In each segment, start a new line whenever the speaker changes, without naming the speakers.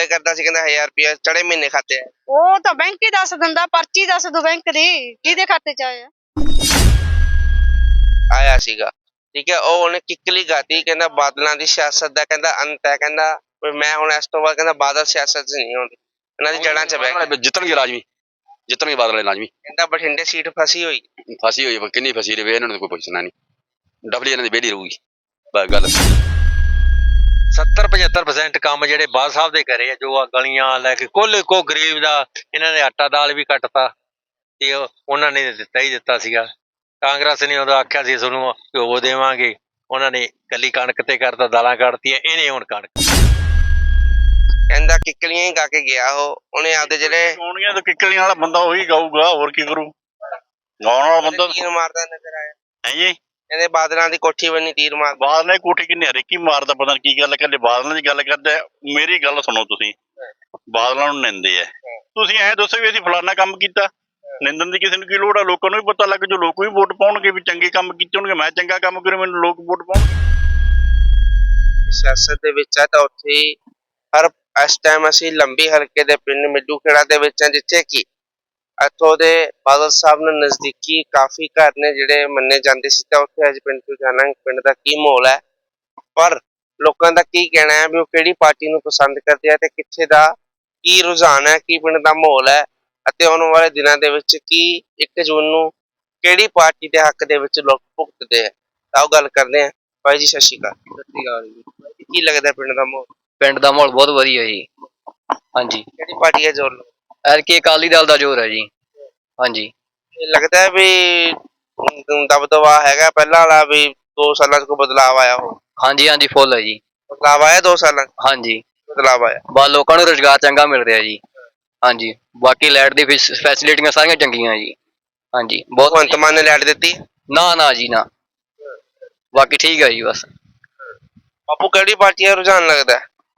ਘਪਲੇ ਕਰਦਾ ਸੀ, ਕਹਿੰਦਾ 1000 ਰੁਪਇਆ ਚੜੇ ਮਹੀਨੇ ਖਾਤੇ ਆ।
ਉਹ ਤਾਂ ਬੈਂਕ ਹੀ ਦੱਸ ਦਿੰਦਾ, ਪਰਚੀ ਦੱਸ ਦੋ ਬੈਂਕ ਦੀ ਕਿਹਦੇ ਖਾਤੇ ਚ ਆਇਆ
ਆਇਆ ਸੀਗਾ। ਠੀਕ ਹੈ, ਉਹ ਉਹਨੇ ਕਿੱਕਲੀ ਗਾਤੀ, ਕਹਿੰਦਾ ਬਾਦਲਾਂ ਦੀ ਸਿਆਸਤ ਦਾ ਕਹਿੰਦਾ ਅੰਤ ਹੈ, ਕਹਿੰਦਾ ਮੈਂ ਹੁਣ ਇਸ ਤੋਂ ਬਾਅਦ ਕਹਿੰਦਾ ਬਾਦਲ ਸਿਆਸਤ 'ਚ ਨਹੀਂ ਆਉਂਦੀ, ਇਹਨਾਂ ਦੀ ਜੜ੍ਹਾਂ 'ਚ ਬਹਿ ਗਿਆ।
ਜਿੱਤਣਗੇ ਲਾਜ਼ਮੀ, ਜਿੱਤਣਗੇ ਬਾਦਲ ਵਾਲੇ ਲਾਜ਼ਮੀ।
ਕਹਿੰਦਾ ਬਠਿੰਡੇ ਸੀਟ ਫਸੀ ਹੋਈ
ਕਿੰਨੀ ਫਸੀ ਰਵੇ, ਇਹਨਾਂ ਨੂੰ ਕੋਈ ਪੁੱਛਣਾ ਨਹੀਂ, ਡਬਲੀ ਇਹਨਾਂ ਦੀ ਵਿਹਲੀ ਰਹੂਗੀ ਬਸ ਗੱਲ।
70-75% ਕੰਮ ਜਿਹੜੇ ਬਾਦ ਸਾਹਿਬ ਦੇ ਕਰੇ ਆ, ਜੋ ਆ ਗਲੀਆਂ ਲੈ ਕੇ ਕੁੱਲ ਕੋ ਗਰੀਬ ਦਾ ਇਹਨਾਂ ਨੇ ਆਟਾ ਦਾਲ ਵੀ ਕੱਟਤਾ ਤੇ ਉਹਨਾਂ ਨੇ ਦਿੱਤਾ ਹੀ ਦਿੱਤਾ ਸੀਗਾ। ਕਾਂਗਰਸ ਨੇ ਉਦੋਂ ਆਖਿਆ ਸੀ ਤੁਹਾਨੂੰ ਘਿਓ ਦੇਵਾਂਗੇ, ਉਹਨਾਂ ਨੇ ਕੱਲੀ ਕਣਕ ਤੇ ਕਰਤਾ, ਦਾਲਾਂ ਕੱਢਤੀਆਂ, ਇਹਨੇ ਹੁਣ ਕਣਕ।
ਕਹਿੰਦਾ ਕਿੱਕਲੀਆਂ ਹੀ ਗਾ ਕੇ ਗਿਆ ਉਹਨੇ ਆਪਦੇ ਜਿਹੜੇ
ਗਾਉਣੀਆਂ ਤਾਂ ਕਿੱਕਲੀਆਂ ਵਾਲਾ ਬੰਦਾ ਉਹੀ ਗਾਊਗਾ, ਹੋਰ ਕੀ ਕਰੂ। ਗਾਉਣ ਵਾਲਾ ਬੰਦਾ
ਤੀਰ ਮਾਰਦਾ ਨਜ਼ਰ ਆਇਆ
ਹੈ ਜੀ।
ਕਹਿੰਦੇ ਬਾਦਲਾਂ ਦੀ ਕੋਠੀ ਬੰਨੀ ਤੀਰ ਮਾਰ।
ਬਾਦਲ ਨੇ ਕੋਠੀ ਕਿੰਨੇ ਹਰੇਕੀ ਮਾਰਦਾ, ਪਤਾ ਨੀ ਕੀ ਗੱਲ ਕਰਦੇ। ਬਾਦਲਾਂ ਦੀ ਗੱਲ ਕਰਦੇ, ਮੇਰੀ ਗੱਲ ਸੁਣੋ ਤੁਸੀਂ, ਬਾਦਲਾਂ ਨੂੰ ਨਿੰਦੇ ਆ। ਤੁਸੀਂ ਐਂ ਦੱਸੋ ਵੀ ਅਸੀਂ ਫਲਾਨਾ ਕੰਮ ਕੀਤਾ, ਨਿੰਦਣ ਦੀ ਕਿਸੇ ਨੂੰ ਕੀ ਲੋੜ ਆ। ਲੋਕਾਂ ਨੂੰ ਵੀ ਪਤਾ ਲੱਗ ਜੋ, ਲੋਕ ਵੀ ਵੋਟ ਪਾਉਣਗੇ ਵੀ ਚੰਗੇ ਕੰਮ ਕੀਤੇ ਹੋਣਗੇ। ਮੈਂ ਚੰਗਾ ਕੰਮ ਕਰੂ, ਮੈਨੂੰ ਲੋਕ ਵੋਟ ਪਾਉਣਗੇ।
ਸਿਆਸਤ ਦੇ ਵਿੱਚ ਆ ਤਾਂ ਉੱਥੇ ਹੀ ਹਰ ਇਸ ਟਾਈਮ ਅਸੀਂ ਲੰਬੀ ਹਲਕੇ ਦੇ ਪਿੰਡ ਮਿੱਡੂ ਖੇੜਾ ਦੇ ਵਿੱਚ, ਜਿੱਥੇ ਕਿ ਇੱਥੋਂ ਦੇ ਬਾਦਲ ਸਾਹਿਬ ਨੂੰ ਨਜ਼ਦੀਕੀ ਕਾਫੀ ਘਰ ਨੇ ਜਿਹੜੇ ਮੰਨੇ ਜਾਂਦੇ ਸੀ, ਤਾਂ ਉੱਥੇ ਅੱਜ ਪਿੰਡ ਤੋਂ ਜਾਣਾ ਪਿੰਡ ਦਾ ਕੀ ਮਾਹੌਲ ਹੈ, ਪਰ ਲੋਕਾਂ ਦਾ ਕੀ ਕਹਿਣਾ ਹੈ ਵੀ ਉਹ ਕਿਹੜੀ ਪਾਰਟੀ ਨੂੰ ਪਸੰਦ ਕਰਦੇ ਆ ਤੇ ਕਿੱਥੇ ਦਾ ਕੀ ਰੁਝਾਨ ਹੈ, ਕੀ ਪਿੰਡ ਦਾ ਮਾਹੌਲ ਹੈ, ਅਤੇ ਆਉਣ ਵਾਲੇ ਦਿਨਾਂ ਦੇ ਵਿੱਚ ਕੀ 1 ਜੂਨ ਨੂੰ ਕਿਹੜੀ ਪਾਰਟੀ ਦੇ ਹੱਕ ਦੇ ਵਿੱਚ ਲੋਕ ਭੁਗਤਦੇ ਆ। ਤਾਂ ਉਹ ਗੱਲ ਕਰਦੇ ਆ। ਭਾਈ ਜੀ ਸਤਿ ਸ਼੍ਰੀ ਅਕਾਲ। ਸਤਿ ਸ਼੍ਰੀ ਅਕਾਲ ਜੀ। ਕੀ ਲੱਗਦਾ ਪਿੰਡ ਦਾ ਮਾਹੌਲ?
ਪਿੰਡ ਦਾ ਮਾਹੌਲ ਬਹੁਤ ਵਧੀਆ ਜੀ। ਹਾਂਜੀ,
ਕਿਹੜੀ ਪਾਰਟੀ ਹੈ ਜ਼ੋਰ?
ਐਤਕੀ ਅਕਾਲੀ ਦਲ ਦਾ ਜ਼ੋਰ ਹੈ ਜੀ। ਹਾਂਜੀ,
ਲੱਗਦਾ ਹੈ ਵੀ ਦਬਦਬਾ ਹੈਗਾ ਪਹਿਲਾਂ ਵਾਲਾ, ਵੀ 2 ਸਾਲਾਂ 'ਚ ਕੋਈ ਬਦਲਾਵ ਆਇਆ ਹੋ?
ਹਾਂਜੀ ਹਾਂਜੀ, ਫੁੱਲ ਹੈ ਜੀ।
ਬਦਲਾਵ ਆਇਆ 2 ਸਾਲਾਂ 'ਚ?
ਹਾਂਜੀ,
ਬਦਲਾਵ ਆਇਆ।
ਬਸ ਲੋਕਾਂ ਨੂੰ ਰੁਜ਼ਗਾਰ ਚੰਗਾ ਮਿਲ ਰਿਹਾ ਜੀ। ਹਾਂਜੀ, ਬਾਕੀ ਲਾਈਟ ਦੀ ਫੈਸਿਲਿਟੀਆਂ ਸਾਰੀਆਂ ਚੰਗੀਆਂ ਜੀ। ਹਾਂਜੀ, ਬਹੁਤ।
ਭਗਵੰਤ ਮਾਨ ਨੇ ਲਾਈਟ ਦਿੱਤੀ?
ਨਾ ਨਾ ਜੀ ਨਾ, ਬਾਕੀ ਠੀਕ ਹੈ ਜੀ ਬਸ।
ਬਾਪੂ ਕਿਹੜੀ ਪਾਰਟੀ ਦਾ ਰੁਝਾਨ ਲੱਗਦਾ?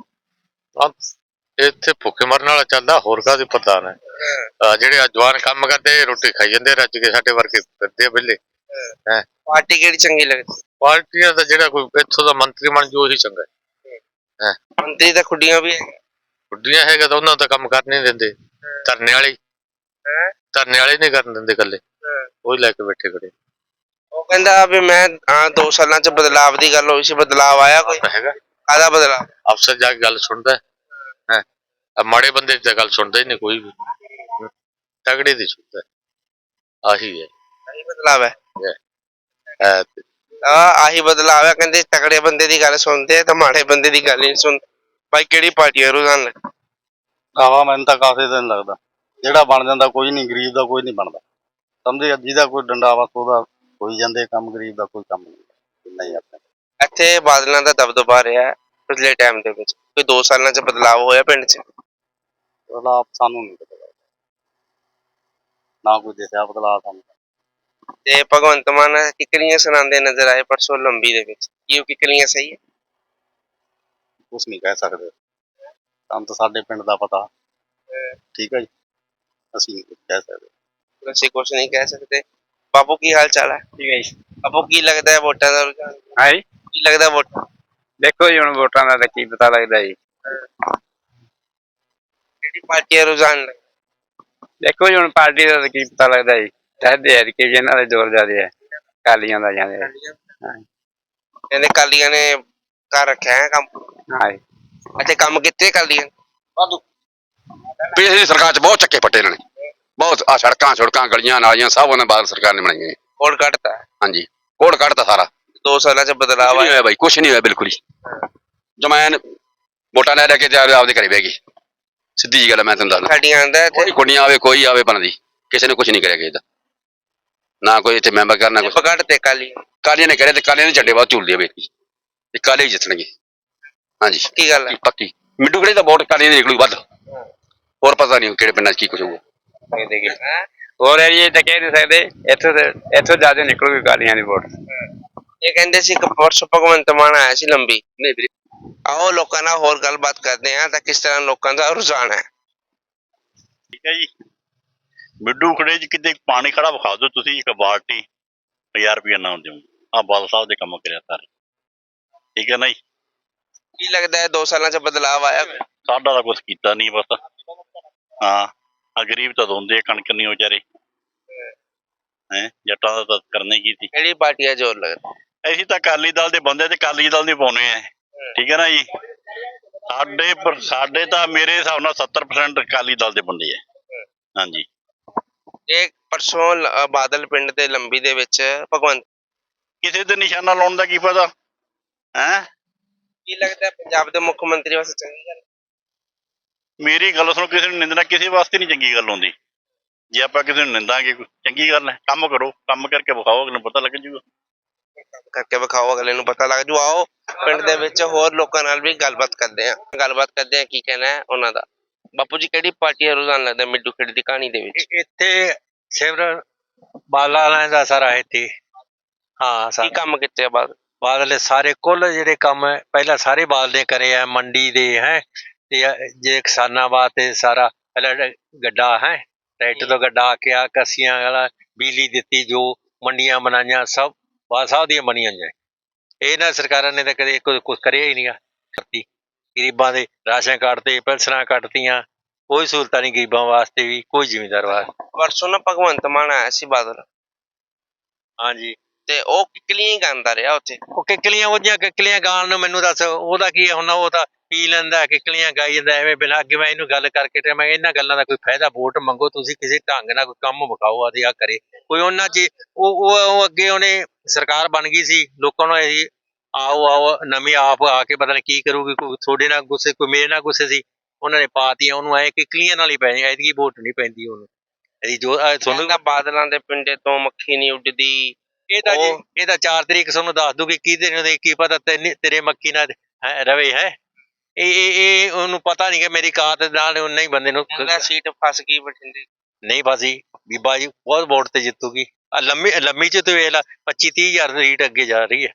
ਇੱਥੇ ਭੁੱਖੇ ਮਰਨ ਵਾਲਾ ਚੱਲਦਾ, ਹੋਰ ਕਾਹਦੀ ਪ੍ਰਧਾਨ ਹੈ। ਜਿਹੜੇ ਜਵਾਨ ਕੰਮ ਕਰਦੇ ਰੋਟੀ ਖਾਈ ਜਾਂਦੇ ਰੱਜ ਕੇ, ਸਾਡੇ ਵਰਗੇ ਫਿਰਦੇ ਆ ਵਿਹਲੇ।
ਪਾਰਟੀ ਕਿਹੜੀ ਚੰਗੀ ਲੱਗਦੀ?
ਪਾਰਟੀਆਂ ਦਾ ਜਿਹੜਾ ਕੋਈ ਇੱਥੋਂ ਦਾ ਮੰਤਰੀ ਬਣ ਜੋ ਉਹੀ ਚੰਗਾ ਹੈ।
ਮੰਤਰੀ ਤਾਂ ਖੁੱਡੀਆਂ ਵੀ ਹੈ।
ਖੁੱਡੀਆਂ ਹੈਗਾ ਤਾਂ ਉਹਨਾਂ ਦਾ ਕੰਮ ਕਰ ਨਹੀਂ ਦਿੰਦੇ। ਧਰਨੇ ਵਾਲੇ ਨਹੀਂ ਕਰਨ ਦਿੰਦੇ, ਇਕੱਲੇ ਉਹੀ ਲੈ ਕੇ ਬੈਠੇ ਖੜੇ।
ਉਹ ਕਹਿੰਦਾ ਵੀ ਮੈਂ 2 ਸਾਲਾਂ 'ਚ ਬਦਲਾਵ ਦੀ ਗੱਲ ਹੋਈ ਸੀ, ਬਦਲਾਵ ਆਇਆ ਕੋਈ?
ਹੈਗਾ
ਕਾਹਦਾ ਬਦਲਾਵ?
ਅਫਸਰ ਜਾ ਕੇ ਗੱਲ ਸੁਣਦਾ ਹੈ, ਮਾੜੇ ਬੰਦੇ ਦੀ ਤਾਂ ਗੱਲ ਸੁਣਦਾ ਹੀ ਨਹੀਂ ਕੋਈ ਵੀ, ਤਗੜੇ ਦੀ ਸੁਣਦਾ। ਆਹੀ ਹੈ,
ਆਹੀ ਬਦਲਾਵ ਹੈ।
ਹੈ
ਆਹੀ ਬਦਲਾਵ ਹੈ। ਕਹਿੰਦੇ ਤਕੜੇ ਬੰਦੇ ਦੀ ਗੱਲ ਸੁਣਦੇ ਤਾਂ ਮਾੜੇ ਬੰਦੇ ਦੀ ਗੱਲ ਨਹੀਂ ਸੁਣਦੇ। ਭਾਈ ਕਿਹੜੀ ਪਾਰਟੀ ਹੈ ਰੁਝਾਨ ਲੱਗਦਾ?
ਆਵਾ ਮੈਨੂੰ ਤਾਂ ਕਾਫੀ ਦਿਨ ਲੱਗਦਾ, ਜਿਹੜਾ ਬਣ ਜਾਂਦਾ ਕੋਈ ਨਹੀਂ, ਗਰੀਬ ਦਾ ਕੋਈ ਨਹੀਂ ਬਣਦਾ। ਸਮਝੇ, ਜਿਹਦਾ ਕੋਈ ਡੰਡਾ ਵਾ ਉਹਦਾ ਹੋਈ ਜਾਂਦੇ ਕੰਮ, ਗਰੀਬ ਦਾ ਕੋਈ ਕੰਮ ਨਹੀਂ। ਆਪਣੇ
ਇੱਥੇ ਬਾਦਲਾਂ ਦਾ ਦਬਦਬਾ ਰਿਹਾ ਪਿਛਲੇ ਟਾਈਮ ਦੇ ਵਿੱਚ, ਕੋਈ 2 ਸਾਲਾਂ 'ਚ ਬਦਲਾਵ ਹੋਇਆ ਪਿੰਡ 'ਚ?
ਬਦਲਾਅ ਸਾਨੂੰ ਨਹੀਂ ਪਤਾ, ਨਾ ਕੋਈ ਦਿਸਿਆ ਬਦਲਾਅ ਸਾਨੂੰ।
ਤੇ ਭਗਵੰਤ ਮਾਨ ਕਿੱਕਲੀਆਂ ਸੁਣਾਉਂਦੇ ਨਜ਼ਰ ਆਏ ਪਰਸੋਂ ਲੰਬੀ ਦੇ ਵਿੱਚ, ਕੀ ਉਹ ਕਿੱਕਲੀਆਂ ਸਹੀ ਹੈ?
ਕੁਛ ਨਹੀਂ ਕਹਿ ਸਕਦੇ, ਸਾਨੂੰ ਤਾਂ ਸਾਡੇ ਪਿੰਡ ਦਾ ਪਤਾ। ਠੀਕ ਹੈ ਜੀ, ਅਸੀਂ ਨਹੀਂ ਕੁਛ ਕਹਿ ਸਕਦੇ।
ਅਸੀਂ ਕੁਛ ਨਹੀਂ ਕਹਿ ਸਕਦੇ। ਬਾਪੂ ਕੀ ਹਾਲ ਚਾਲ ਹੈ?
ਠੀਕ ਹੈ ਜੀ।
ਬਾਪੂ ਕੀ ਲੱਗਦਾ ਹੈ ਵੋਟਾਂ ਦਾ ਰੁਝਾਨ?
ਹਾਂਜੀ,
ਕੀ ਲੱਗਦਾ ਵੋਟਾਂ?
ਦੇਖੋ ਜੀ ਹੁਣ ਵੋਟਾਂ ਦਾ ਤਾਂ ਕੀ ਪਤਾ ਲੱਗਦਾ ਜੀ।
ਕਿਹੜੀ ਪਾਰਟੀ ਦਾ ਰੁਝਾਨ ਲੱਗਦਾ?
ਦੇਖੋ ਜੀ ਹੁਣ ਪਾਰਟੀ ਦਾ ਤਾਂ ਕੀ ਪਤਾ ਲੱਗਦਾ ਜੀ। ਕਹਿੰਦੇ ਕਿ ਇਹਨਾਂ ਦੇ ਜ਼ੋਰ ਜ਼ਿਆਦਾ ਹੈ, ਅਕਾਲੀਆਂ ਦਾ ਜਾਂਦੇ।
ਕਹਿੰਦੇ ਕਾਲੀਆਂ ਨੇ ਕਰ ਰੱਖਿਆ ਹੈ ਕੰਮ।
ਹਾਂਜੀ,
ਅੱਛਾ, ਕੰਮ ਕੀਤੇ ਕਾਲੀਆਂ?
ਪਿਛਲੀ ਸਰਕਾਰ 'ਚ ਬਹੁਤ ਚੱਕੇ ਪੱਟੇ ਇਹਨਾਂ ਨੇ, ਬਹੁਤ। ਆ ਸੜਕਾਂ ਗਲੀਆਂ ਨਾਲੀਆਂ ਸਭ ਉਹਨਾਂ ਬਾਦਲ ਸਰਕਾਰ ਨੇ ਬਣਾਈਆਂ।
ਕੋਡ ਕੱਢਤਾ?
ਹਾਂਜੀ, ਕੋਡ ਕੱਢਤਾ ਸਾਰਾ।
2 ਸਾਲਾਂ 'ਚ ਬਦਲਾਵ
ਨਹੀਂ ਹੋਇਆ ਬਾਈ, ਕੁਛ ਨਹੀਂ ਹੋਇਆ ਬਿਲਕੁਲ ਹੀ। ਜਮੈਨ ਵੋਟਾਂ ਲੈ ਕੇ ਤੇ ਆਪਦੇ ਘਰੇ ਬਹਿ ਗਈ, ਸਿੱਧੀ ਜੀ ਗੱਲ ਮੈਂ ਤੁਹਾਨੂੰ ਦੱਸਦਾ।
ਸਾਡੀਆਂ ਆਂਦਾ
ਕੋਈ ਕੁੜੀਆਂ ਆਵੇ, ਕੋਈ ਆਵੇ ਬਣਦੀ, ਕਿਸੇ ਨੇ ਕੁਛ ਨਹੀਂ ਕਰਿਆ ਕਿਸੇ ਦਾ, ਨਾ ਕੋਈ ਇੱਥੇ ਮੈਂਬਰ ਕਰਨਾ ਕੁਛ।
ਕੱਢਤੇ
ਕਾਲੀਆਂ ਨੇ ਕਰਿਆ ਤੇ ਕਾਲੀਆਂ ਨੇ ਝੰਡੇ ਬਾਅਦ ਝੂਲਦੀ ਆ ਬੇਟੀ, ਤੇ ਕਾਲੇ ਹੀ ਜਿੱਤਣਗੇ। ਹਾਂਜੀ,
ਕੀ ਗੱਲ ਹੈ?
ਪੱਕੀ ਮਿੱਡੂ ਖੇੜੇ ਦਾ ਵੋਟ ਕਾਲੀਆਂ ਦੀ ਨਿਕਲੂ ਵੱਧ, ਹੋਰ ਪਤਾ ਨਹੀਂ ਕਿਹੜੇ ਪਿੰਡਾਂ 'ਚ ਕੀ ਕੁਛ ਹੋਊਗਾ।
ਹੋਰ ਏਰੀਏ ਤਾਂ ਕਹਿ ਨਹੀਂ ਸਕਦੇ, ਇੱਥੋਂ ਜ਼ਿਆਦਾ ਨਿਕਲੂਗੀ ਅਕਾਲੀਆਂ ਦੀ ਵੋਟ।
ਇਹ ਕਹਿੰਦੇ ਸੀ ਕਿ ਪਰਸੋਂ ਭਗਵੰਤ ਮਾਨ ਆਇਆ ਸੀ ਲੰਬੀ।
ਨਹੀਂ ਵੀਰੇ,
ਆਓ ਲੋਕਾਂ ਨਾਲ ਹੋਰ ਗੱਲਬਾਤ ਕਰਦੇ ਆ ਤਾਂ ਕਿਸ ਤਰ੍ਹਾਂ ਲੋਕਾਂ ਦਾ ਰੁਝਾਨ ਹੈ।
ਠੀਕ ਹੈ ਜੀ, ਮਿੱਡੂ ਖੜੇ 'ਚ ਕਿਤੇ ਪਾਣੀ ਖੜਾ ਵਿਖਾ ਦਿਓ ਤੁਸੀਂ, ਇੱਕ ਬਾਲਟੀ 1000 ਰੁਪਇਆ ਨਾ ਦਿਓ। ਆਹ ਬਾਦਲ ਸਾਹਿਬ ਦੇ ਕੰਮ ਕਰਿਆ ਸਾਰੇ, ਠੀਕ ਹੈ ਨਾ ਜੀ।
ਕੀ ਲੱਗਦਾ ਹੈ 2 ਸਾਲਾਂ 'ਚ ਬਦਲਾਵ ਆਇਆ ਕੋਈ?
ਸਾਡਾ ਤਾਂ ਕੁਛ ਕੀਤਾ ਨਹੀਂ ਬਸ। ਹਾਂ ਆ ਗਰੀਬ ਤਾਂ ਰੋਂਦੇ ਆ, ਕਣਕ ਨਹੀਂ ਵਿਚਾਰੇ ਹੈ, ਜੱਟਾਂ ਦਾ ਤਾਂ ਕਰਨਾ ਹੀ ਕੀ ਸੀ।
ਕਿਹੜੀ ਪਾਰਟੀ ਦਾ ਜ਼ੋਰ ਲੱਗਦਾ?
ਅਸੀਂ ਤਾਂ ਅਕਾਲੀ ਦਲ ਦੇ ਬੰਦੇ ਤੇ ਅਕਾਲੀ ਦਲ ਦੇ ਪਾਉਣੇ ਆ, ਠੀਕ ਹੈ ਨਾ ਜੀ। ਸਾਡੇ ਤਾਂ ਮੇਰੇ ਹਿਸਾਬ ਨਾਲ 70% ਅਕਾਲੀ ਦਲ ਦੇ ਬੰਦੇ ਆ। ਹਾਂਜੀ
ਇਹ ਪਰਸੋਂ ਬਾਦਲ ਪਿੰਡ ਦੇ ਲੰਬੀ ਦੇ ਵਿੱਚ ਭਗਵੰਤ
ਕਿਸੇ ਤੇ ਨਿਸ਼ਾਨਾ ਲਾਉਣ ਦਾ ਕੀ ਪਤਾ ਹੈ।
ਕੀ ਲੱਗਦਾ ਪੰਜਾਬ ਦੇ ਮੁੱਖ ਮੰਤਰੀ ਵਾਸਤੇ ਚੰਗੀ ਗੱਲ?
ਮੇਰੀ ਗੱਲ ਸੁਣੋ, ਕਿਸੇ ਨੂੰ ਨਿੰਦਣਾ ਕਿਸੇ ਵਾਸਤੇ ਨਹੀਂ ਚੰਗੀ ਗੱਲ ਹੁੰਦੀ। ਜੇ ਆਪਾਂ ਕਿਸੇ ਨੂੰ ਨਿੰਦਾਂਗੇ ਚੰਗੀ ਗੱਲ ਹੈ। ਕੰਮ ਕਰੋ, ਕੰਮ ਕਰਕੇ ਵਿਖਾਓ, ਅਗਲੇ ਨੂੰ ਪਤਾ ਲੱਗ ਜੂਗਾ।
ਕਰਕੇ ਵਿਖਾਓ, ਅਗਲੇ ਨੂੰ ਪਤਾ ਲੱਗ ਜੂ। ਆਓ ਪਿੰਡ ਦੇ ਵਿੱਚ ਹੋਰ ਲੋਕਾਂ ਨਾਲ ਵੀ ਗੱਲਬਾਤ ਕਰਦੇ ਆ ਕੀ ਕਹਿਣਾ ਹੈ ਉਹਨਾਂ ਦਾ। ਬਾਪੂ ਜੀ ਕਿਹੜੀ ਪਾਰਟੀ ਦਾ ਰੁਝਾਨ ਲੱਗਦਾ ਮਿੱਡੂ ਖੇਡ ਦੀ ਕਹਾਣੀ ਦੇ ਵਿੱਚ?
ਇੱਥੇ ਸਿਮਰਨ ਬਾਲਾ ਦਾ ਸਾਰਾ ਇੱਥੇ ਹਾਂ
ਕੀ ਕੰਮ ਕੀਤੇ ਆ ਬਾਅਦ?
ਬਾਦਲ ਸਾਰੇ ਕੁੱਲ ਜਿਹੜੇ ਕੰਮ ਹੈ ਪਹਿਲਾਂ ਸਾਰੇ ਬਾਦਲ ਨੇ ਕਰੇ ਆ, ਮੰਡੀ ਦੇ ਹੈ ਤੇ ਜੇ ਕਿਸਾਨਾਂ ਵਾਸਤੇ ਸਾਰਾ ਪਹਿਲਾਂ ਗੱਡਾ ਹੈ, ਟਰੈਕਟਰ ਤੋਂ ਗੱਡਾ ਆ ਕੇ ਆ ਕੱਸੀਆਂ ਵਾਲਾ ਬਿਜਲੀ ਦਿੱਤੀ, ਜੋ ਮੰਡੀਆਂ ਬਣਾਈਆਂ ਸਭ ਬਾਦਲ ਸਾਹਿਬ ਦੀਆਂ ਬਣੀਆਂ ਨੇ। ਇਹਨਾਂ ਸਰਕਾਰਾਂ ਨੇ ਤਾਂ ਕਦੇ ਕੁਝ ਕਰਿਆ ਹੀ ਨਹੀਂ ਗਾ। ਗਰੀਬਾਂ ਦੇ ਰਾਸ਼ਨ ਕਾਰਡ ਤੇ ਪੈਨਸ਼ਨਾਂ ਕੱਟਤੀਆਂ, ਕੋਈ ਸਹੂਲਤਾਂ ਨਹੀਂ ਗਰੀਬਾਂ ਵਾਸਤੇ ਵੀ, ਕੋਈ ਜ਼ਿਮੀਂਦਾਰ ਵਾਸਤੇ।
ਪਰਸੋਂ ਨਾ ਭਗਵੰਤ ਮਾਨ ਆਇਆ ਸੀ ਬਾਦਲ,
ਹਾਂਜੀ
ਤੇ ਉਹ ਕਿੱਕਲੀਆਂ ਹੀ ਗਾਉਂਦਾ ਰਿਹਾ ਉੱਥੇ।
ਉਹ ਕਿੱਕਲੀਆਂ ਉਹਦੀਆਂ ਕਿੱਕਲੀਆਂ ਗਾਣ ਨੂੰ ਮੈਨੂੰ ਦੱਸ ਉਹਦਾ ਕੀ ਹੁਣ? ਉਹ ਤਾਂ ਪੀ ਲੈਂਦਾ, ਕਿੱਕਲੀਆਂ ਗਾਈ ਜਾਂਦਾ ਐਵੇਂ ਬਿਨਾਂ। ਅੱਗੇ ਮੈਂ ਇਹਨੂੰ ਗੱਲ ਕਰਕੇ ਤੇ ਮੈਂ ਇਹਨਾਂ ਗੱਲਾਂ ਦਾ ਕੋਈ ਫਾਇਦਾ, ਵੋਟ ਮੰਗੋ ਤੁਸੀਂ, ਕਿਸੇ ਢੰਗ ਨਾਲ ਕੋਈ ਕੰਮ ਵਿਖਾਓ ਆਦੇ ਆ ਕਰੇ ਕੋਈ ਉਹਨਾਂ 'ਚ। ਉਹ ਅੱਗੇ ਉਹਨੇ ਸਰਕਾਰ ਬਣ ਗਈ ਸੀ, ਲੋਕਾਂ ਨੂੰ ਇਹ ਆਓ ਨਵੀਂ ਆਪ ਆ ਕੇ ਪਤਾ ਨਹੀਂ ਕੀ ਕਰੂਗੀ। ਕੋਈ ਤੁਹਾਡੇ ਨਾਲ ਗੁੱਸੇ, ਕੋਈ ਮੇਰੇ ਨਾਲ ਗੁੱਸੇ ਸੀ, ਉਹਨਾਂ ਨੇ ਪਾਤੀਆਂ ਉਹਨੂੰ। ਐ ਕਿੱਕਲੀਆਂ ਨਾਲ ਹੀ ਪੈ ਜਾਏਗਾ, ਇਹਦੀ ਵੋਟ ਨਹੀਂ ਪੈਂਦੀ ਉਹਨੂੰ। ਇਹਦੀ ਜੋ ਤੁਹਾਨੂੰ
ਬਾਦਲਾਂ ਦੇ ਪਿੰਡੇ ਤੋਂ ਮੱਖੀ ਨਹੀਂ ਉੱਡਦੀ।
ਇਹ ਤਾਂ ਜੀ ਇਹ ਤਾਂ 4 ਤਰੀਕ ਤੁਹਾਨੂੰ ਦੱਸ ਦੂਗੀ, ਕਿਹਦੇ ਕੀ ਪਤਾ ਤੇਰੇ ਮੱਖੀ ਨਾਲ ਰਵੇ ਹੈ। ਇਹ ਉਹਨੂੰ ਪਤਾ ਨਹੀਂ ਕਿ ਮੇਰੀ ਕਾਤ ਨਾਲ ਉਹਨਾਂ ਹੀ ਬੰਦੇ ਨੂੰ
ਸੀਟ ਫਸ ਗਈ ਬਠਿੰਡੇ।
ਨਹੀਂ ਫਸੀ, ਬੀਬਾ ਜੀ ਬਹੁਤ ਵੋਟ ਤੇ ਜਿੱਤੂਗੀ। ਲੰਮੀ ਚ ਤੇ ਵੇਖ ਲਾ 25-30 ਹਜ਼ਾਰ ਸੀਟ ਅੱਗੇ ਜਾ ਰਹੀ ਹੈ।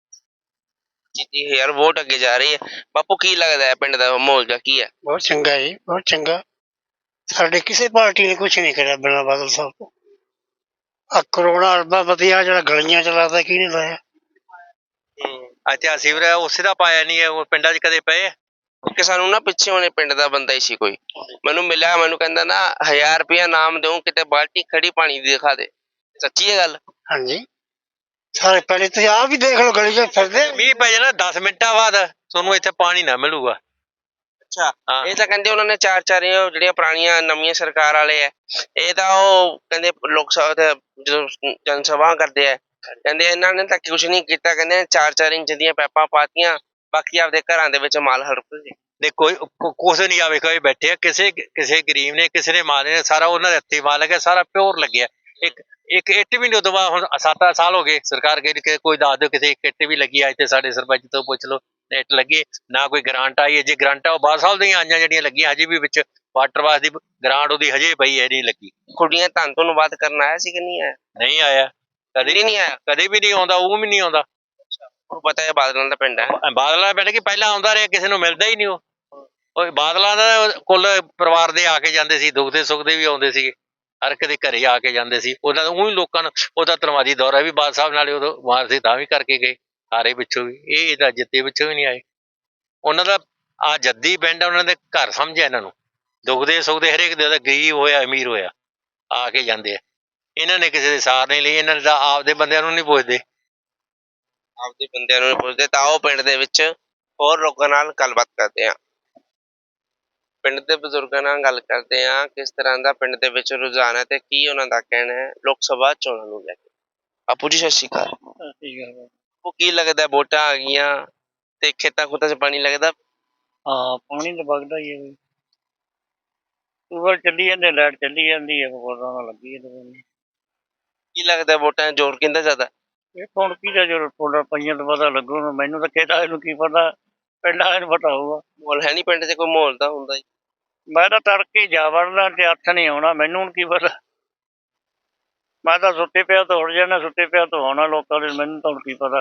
30,000 ਵੋਟ ਅੱਗੇ ਜਾ ਰਹੀ ਹੈ। ਬਾਪੂ ਕੀ ਲੱਗਦਾ ਹੈ ਪਿੰਡ ਦਾ ਮਾਹੌਲ ਜਾਂ ਕੀ ਹੈ?
ਬਹੁਤ ਚੰਗਾ ਜੀ, ਬਹੁਤ ਚੰਗਾ। ਸਾਡੇ ਕਿਸੇ ਪਾਰਟੀ ਨੇ ਕੁਛ ਨਹੀਂ ਕਰਿਆ ਬਿਨਾਂ ਬਾਦਲ ਸਾਹਿਬ ਤੋਂ। ਆ ਕਰੋਨਾ ਅਰਬਾ ਵਧੀਆ ਜਿਹੜਾ ਗਲੀਆਂ ਚ ਲਾਦਾ, ਕਿਹਨੇ ਲਾਇਆ?
ਅੱਛਾ ਸੀਵਰ ਉਸੇ ਦਾ ਪਾਇਆ ਨਹੀਂ ਹੈ, ਉਹ ਪਿੰਡਾਂ 'ਚ ਕਦੇ ਪਏ?
ਕਿ ਸਾਨੂੰ ਨਾ ਪਿੱਛੇ ਹੋਣੇ ਪਿੰਡ ਦਾ ਬੰਦਾ ਹੀ ਸੀ ਕੋਈ, ਮੈਨੂੰ ਮਿਲਿਆ, ਮੈਨੂੰ ਕਹਿੰਦਾ ਨਾ 1000 ਰੁਪਇਆ ਨਾਮ ਦਿਓ, ਕਿਤੇ ਬਾਲਟੀ ਖੜੀ ਪਾਣੀ ਦੀ ਦਿਖਾ ਦੇ। ਸੱਚੀ ਹੈ ਗੱਲ?
ਹਾਂਜੀ ਸਾਰੇ ਪਹਿਲੇ ਤੁਸੀਂ ਆਪ ਵੀ ਦੇਖ ਲਓ, ਗਲੀ ਚ ਫਿਰਦੇ।
ਮੀਂਹ ਪੈ ਜਾਣਾ 10 ਮਿੰਟਾਂ ਬਾਅਦ ਤੁਹਾਨੂੰ ਇੱਥੇ ਪਾਣੀ ਨਾ ਮਿਲੂਗਾ।
ਅੱਛਾ ਇਹ ਤਾਂ ਕਹਿੰਦੇ ਉਹਨਾਂ ਨੇ ਚਾਰ ਜਿਹੜੀਆਂ ਪੁਰਾਣੀਆਂ ਨਵੀਆਂ ਸਰਕਾਰ ਵਾਲੇ ਆ, ਇਹ ਤਾਂ ਉਹ ਕਹਿੰਦੇ ਲੋਕ ਸਭਾ ਤੇ ਜਦੋਂ ਜਨ ਸਭਾ ਕਰਦੇ ਆ, ਕਹਿੰਦੇ ਇਹਨਾਂ ਨੇ ਤਾਂ ਕੁਛ ਨਹੀਂ ਕੀਤਾ, ਕਹਿੰਦੇ 4-4 ਇੰਚ ਦੀਆਂ ਪੈਪਾਂ ਪਾਤੀਆਂ, ਬਾਕੀ ਆਪਦੇ ਘਰਾਂ ਦੇ ਵਿੱਚ ਮਾਲ ਹੜਪ ਗਏ।
ਦੇ ਕੋਈ ਕੁਛ ਨਹੀਂ ਆਵੇ, ਕੋਈ ਬੈਠੇ ਆ, ਕਿਸੇ ਗਰੀਬ ਨੇ, ਕਿਸੇ ਨੇ ਮਾਲ ਨੇ, ਸਾਰਾ ਉਹਨਾਂ ਦੇ ਹੱਥੀਂ ਮਾਲ ਲੱਗਿਆ, ਸਾਰਾ ਪਿਓਰ ਲੱਗਿਆ। ਇੱਕ ਇੱਟ ਵੀ ਨਹੀਂ ਉਦੋਂ ਬਾਅਦ, ਹੁਣ 7 ਸਾਲ ਹੋ ਗਏ ਸਰਕਾਰ ਗਈ, ਕੋਈ ਦੱਸ ਦਿਓ ਕਿਸੇ ਇੱਕ ਇੱਟ ਵੀ ਲੱਗੀ ਆ ਇੱਥੇ? ਸਾਡੇ ਸਰਪੰਚ ਤੋਂ ਪੁੱਛ ਲਓ, ਇੱਟ ਲੱਗੀ ਨਾ, ਕੋਈ ਗ੍ਰਾਂਟ ਆਈ ਹੈ? ਜੇ ਗ੍ਰਾਂਟਾਂ ਉਹ ਬਾਦਲ ਸਾਹਿਬ ਦੀਆਂ ਆਈਆਂ ਜਿਹੜੀਆਂ ਲੱਗੀਆਂ, ਹਜੇ ਵੀ ਵਿੱਚ ਵਾਟਰ ਵਾਸ ਦੀ ਗ੍ਰਾਂਟ ਉਹਦੀ ਹਜੇ ਪਈ ਹੈ, ਨਹੀਂ ਲੱਗੀ।
ਕੁੜੀਆਂ ਧੰਨ ਤੋਂ ਬਾਤ ਕਰਨ ਆਇਆ ਸੀ ਕਿ ਨਹੀਂ ਆਇਆ?
ਨਹੀਂ ਆਇਆ, ਕਦੇ ਨਹੀਂ ਆਇਆ, ਕਦੇ ਵੀ ਨਹੀਂ ਆਉਂਦਾ, ਉਹ ਵੀ ਨਹੀਂ ਆਉਂਦਾ।
ਉਹ ਪਤਾ ਹੈ ਬਾਦਲਾਂ ਦਾ ਪਿੰਡ ਹੈ,
ਬਾਦਲਾਂ ਦਾ ਪਿੰਡ ਕਿ ਪਹਿਲਾਂ ਆਉਂਦਾ ਰਿਹਾ, ਕਿਸੇ ਨੂੰ ਮਿਲਦਾ ਹੀ ਨਹੀਂ। ਉਹ ਬਾਦਲਾਂ ਦਾ ਕੁੱਲ ਪਰਿਵਾਰ ਦੇ ਆ ਕੇ ਜਾਂਦੇ ਸੀ, ਦੁੱਖ ਦੇ ਸੁੱਖ ਦੇ ਵੀ ਆਉਂਦੇ ਸੀਗੇ, ਹਰ ਇੱਕ ਦੇ ਘਰੇ ਆ ਕੇ ਜਾਂਦੇ ਸੀ। ਉਹਨਾਂ ਉਹ ਹੀ ਲੋਕਾਂ ਨੂੰ, ਉਹਦਾ ਧੰਨਵਾਦੀ ਦੌਰਾ ਵੀ ਬਾਦਲ ਸਾਹਿਬ ਨਾਲੇ ਉਦੋਂ ਮਾਰ ਸੀ, ਤਾਂ ਵੀ ਕਰਕੇ ਗਏ ਸਾਰੇ ਪਿੱਛੋਂ ਵੀ। ਇਹ ਤਾਂ ਜਿੱਤੇ ਪਿੱਛੋਂ ਵੀ ਨਹੀਂ ਆਏ। ਉਹਨਾਂ ਦਾ ਆ ਜੱਦੀ ਪਿੰਡ, ਉਹਨਾਂ ਦੇ ਘਰ ਸਮਝਿਆ ਇਹਨਾਂ ਨੂੰ, ਦੁੱਖ ਦੇ ਸੁੱਖ ਦੇ ਹਰੇਕ ਦੇ, ਗਰੀਬ ਹੋਇਆ ਅਮੀਰ ਹੋਇਆ ਆ ਕੇ ਜਾਂਦੇ ਆ। ਇਹਨਾਂ ਨੇ ਕਿਸੇ ਦੇ ਸਾਰ ਨਹੀਂ ਲਈ, ਇਹਨਾਂ ਨੇ ਤਾਂ ਆਪਦੇ ਬੰਦਿਆਂ ਨੂੰ ਨਹੀਂ ਪੁੱਛਦੇ,
ਆਪਦੇ ਬੰਦਿਆਂ ਨੂੰ ਪੁੱਛਦੇ। ਤਾਂ ਉਹ ਪਿੰਡ ਦੇ ਵਿੱਚ ਹੋਰ ਲੋਕਾਂ ਨਾਲ ਗੱਲਬਾਤ ਕਰਦੇ ਆ, ਪਿੰਡ ਦੇ ਬਜ਼ੁਰਗਾਂ ਨਾਲ ਗੱਲ ਕਰਦੇ ਆ, ਕਿਸ ਤਰ੍ਹਾਂ ਦਾ ਪਿੰਡ ਦੇ ਵਿੱਚ ਰੁਝਾਨ ਹੈ ਤੇ ਕੀ ਉਹਨਾਂ ਦਾ ਕਹਿਣਾ ਹੈ ਲੋਕ ਸਭਾ ਚੋਣਾਂ ਨੂੰ ਲੈ ਕੇ। ਆਪੂ ਜੀ ਸਤਿ ਸ਼੍ਰੀ ਅਕਾਲ। ਉਹ ਕੀ ਲੱਗਦਾ ਵੋਟਾਂ ਆ ਗਈਆਂ ਤੇ ਖੇਤਾਂ ਖੁੱਤਾਂ 'ਚ ਪਾਣੀ ਲੱਗਦਾ?
ਹਾਂ ਪਾਣੀ ਤਾਂ ਵਗਦਾ ਹੀ ਹੈ, ਟੂਬਲ ਚੱਲੀ ਜਾਂਦੇ, ਲਾਈਟ ਚੱਲੀ ਜਾਂਦੀ ਹੈ, ਨਾਲ ਲੱਗੀ ਜਾਂਦੀ।
ਕੀ ਲੱਗਦਾ ਵੋਟਾਂ ਦਾ ਜ਼ੋਰ ਕਿੰਦਾ ਜ਼ਿਆਦਾ?
ਇਹ ਹੁਣ ਕੀ ਦਾ ਜੋ ਫੋਟਾ ਪਈਆਂ ਤਾਂ ਪਤਾ ਲੱਗੂ, ਮੈਨੂੰ ਤਾਂ ਖੇਤ ਵਾਲੇ ਨੂੰ ਕੀ ਪਤਾ, ਪਿੰਡ ਵਾਲੇ ਨੂੰ ਪਤਾ ਹੋਊਗਾ।
ਮਾਹੌਲ ਹੈ ਨਹੀਂ ਪਿੰਡ 'ਚ? ਕੋਈ ਮਾਹੌਲ ਤਾਂ ਹੁੰਦਾ ਹੀ।
ਮੈਂ ਤਾਂ ਤੜਕੇ ਜਾ ਵੜਦਾ ਤੇ ਹੱਥ ਨਹੀਂ ਆਉਣਾ, ਮੈਨੂੰ ਹੁਣ ਕੀ ਪਤਾ। ਮੈਂ ਤਾਂ ਸੁੱਤੇ ਪਿਆ ਤੋਂ ਉੱਠ ਜਾਣਾ, ਸੁੱਤੇ ਪਿਆ ਤੋਂ ਆਉਣਾ ਲੋਕਾਂ ਦੇ, ਮੈਨੂੰ ਤਾਂ ਹੁਣ ਕੀ ਪਤਾ।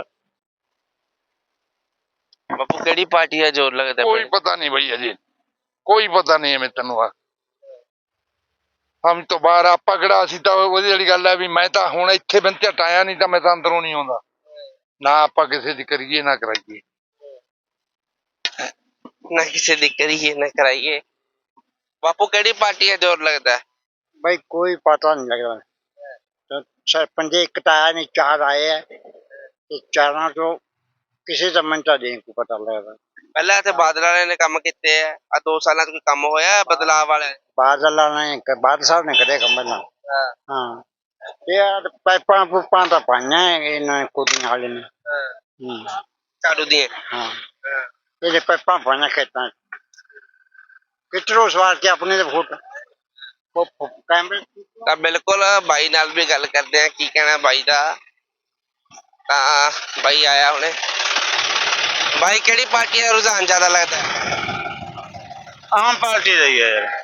ਬਾਪੂ ਕਿਹੜੀ ਪਾਰਟੀ ਦਾ ਜ਼ੋਰ ਲੱਗਦਾ?
कोई पता नहीं भैया जी, कोई पता नहीं है। मैं तेन हम तो बाहर आप पकड़ा सी तो वाली गल है भी मैं तो हुण इत्थे बिन झटाया, नहीं तो मैं तो अंदरों नहीं आउंदा ना। आपां किसे दी करिए ना कराइए
ਨਾ ਕਿਸੇ ਦੀ ਕਰੀਏ ਨਾ ਕਰਾਈਏ। ਬਾਪੂ ਕਿਹੜੀ ਪਾਰਟੀ ਦਾ ਜ਼ੋਰ ਲੱਗਦਾ?
भाई कोई पता नहीं लग रहा। तो सरपंच एक तो आया नहीं, 4 आए हैं, तो चारों तो किसी का मिनटा नहीं को पता लग रहा।
ਪਹਿਲਾਂ ਇੱਥੇ ਬਾਦਲ ਵਾਲਿਆਂ ਨੇ ਕੰਮ ਕੀਤੇ ਆ 2 ਸਾਲਾਂ 'ਚ ਕੋਈ ਕੰਮ ਹੋਇਆ ਬਦਲਾਅ ਵਾਲਾ?
बादल ने बादल साहब ने करे कम ना। हाँ यार पाइपा पुपा तो पाइया इन्होंने कुदियां वाले ने।
ਝਾੜੂ ਦੀਆਂ?
हाँ ये पाइपा पाइया खेतों कितरों सवार के अपने वोट कैमरे।
ਤਾਂ ਬਿਲਕੁਲ ਬਾਈ ਨਾਲ ਵੀ ਗੱਲ ਕਰਦੇ ਆ ਕੀ ਕਹਿਣਾ ਬਾਈ ਦਾ। ਤਾਂ ਬਾਈ ਆਇਆ ਹੁਣੇ। ਬਾਈ ਕਿਹੜੀ ਪਾਰਟੀ ਦਾ ਰੁਝਾਨ ਜ਼ਿਆਦਾ ਲੱਗਦਾ?
ਆਮ ਪਾਰਟੀ ਦਾ ਹੀ ਹੈ ਯਾਰ।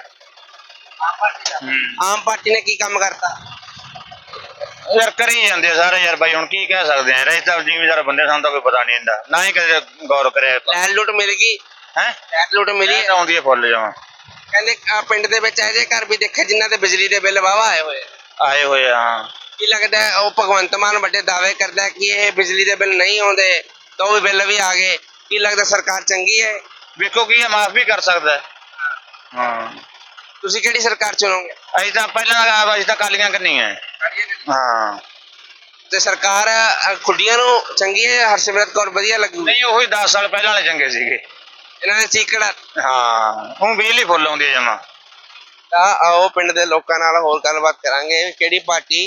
ਆਮ ਪਾਰਟੀ ਨੇ ਕੀ ਕੰਮ ਕਰਤਾ?
ਯਾਰ ਕਰੀ ਜਾਂਦੇ ਸਾਰੇ ਯਾਰ ਬਾਈ, ਹੁਣ ਕੀ ਕਹਿ ਸਕਦੇ ਆ। ਰਹੇ ਤਾਂ ਜ਼ਿਮੀਦਾਰ ਬੰਦੇ, ਸਾਨੂੰ ਤਾਂ ਕੋਈ ਪਤਾ ਨਹੀਂ ਹੁੰਦਾ, ਨਾ ਹੀ ਕਦੇ ਗੌਰ ਕਰਿਆ।
ਲੈਣ ਲੁੱਟ ਮਿਲ ਗਈ?
ਹੈ
ਲੈਣ ਲੁੱਟ ਮਿਲੀ?
ਤਾਂ ਆਉਂਦੀ ਹੈ ਫੁੱਲ ਜਾਵਾਂ।
ਕਹਿੰਦੇ ਪਿੰਡ ਦੇ ਵਿੱਚ ਇਹੋ ਜਿਹੇ ਘਰ ਵੀ ਦੇਖੇ ਜਿਨ੍ਹਾਂ ਦੇ ਬਿਜਲੀ ਦੇ ਬਿੱਲ ਵਾਹਵਾ ਆਏ ਹੋਏ ਆ।
ਆਏ ਹੋਏ ਆ, ਹਾਂ।
ਕੀ ਲੱਗਦਾ ਹੈ ਉਹ ਭਗਵੰਤ ਮਾਨ ਵੱਡੇ ਦਾਅਵੇ ਕਰਦਾ ਹੈ ਕਿ ਇਹ ਬਿਜਲੀ ਦੇ ਬਿੱਲ ਨਹੀਂ ਆਉਂਦੇ ਤਾਂ ਉਹ ਬਿੱਲ ਵੀ ਆ ਗਏ? ਕੀ ਲੱਗਦਾ ਸਰਕਾਰ ਚੰਗੀ ਹੈ?
ਵੇਖੋ ਕੀ ਹੈ, ਮਾਫ ਵੀ ਕਰ ਸਕਦਾ ਹੈ। ਹਾਂ
ਤੁਸੀਂ ਕਿਹੜੀ ਸਰਕਾਰ ਚੁਣੋਗੇ?
ਅਸੀਂ ਤਾਂ ਪਹਿਲਾਂ ਅਸੀਂ ਤਾਂ ਕਾਲੀਆਂ ਕਰਨੀ ਹੈ। ਹਾਂ
ਤੇ ਸਰਕਾਰ ਖੁੱਡੀਆਂ ਨੂੰ ਚੰਗੀ ਹੈ? ਹਰਸਿਮਰਤ ਕੌਰ ਵਧੀਆ ਲੱਗੂ?
ਨਹੀਂ, ਉਹੀ 10 ਸਾਲ ਪਹਿਲਾਂ ਵਾਲੇ ਚੰਗੇ ਸੀਗੇ।
ਇਹਨਾਂ ਦੇ ਚੀਕੜ।
ਹਾਂ ਹੁਣ ਬਿਜਲੀ ਫੁੱਲ ਆਉਂਦੀ ਹੈ ਜਮਾ।
ਤਾਂ ਆਓ ਪਿੰਡ ਦੇ ਲੋਕਾਂ ਨਾਲ ਹੋਰ ਗੱਲਬਾਤ ਕਰਾਂਗੇ। ਕਿਹੜੀ ਪਾਰਟੀ?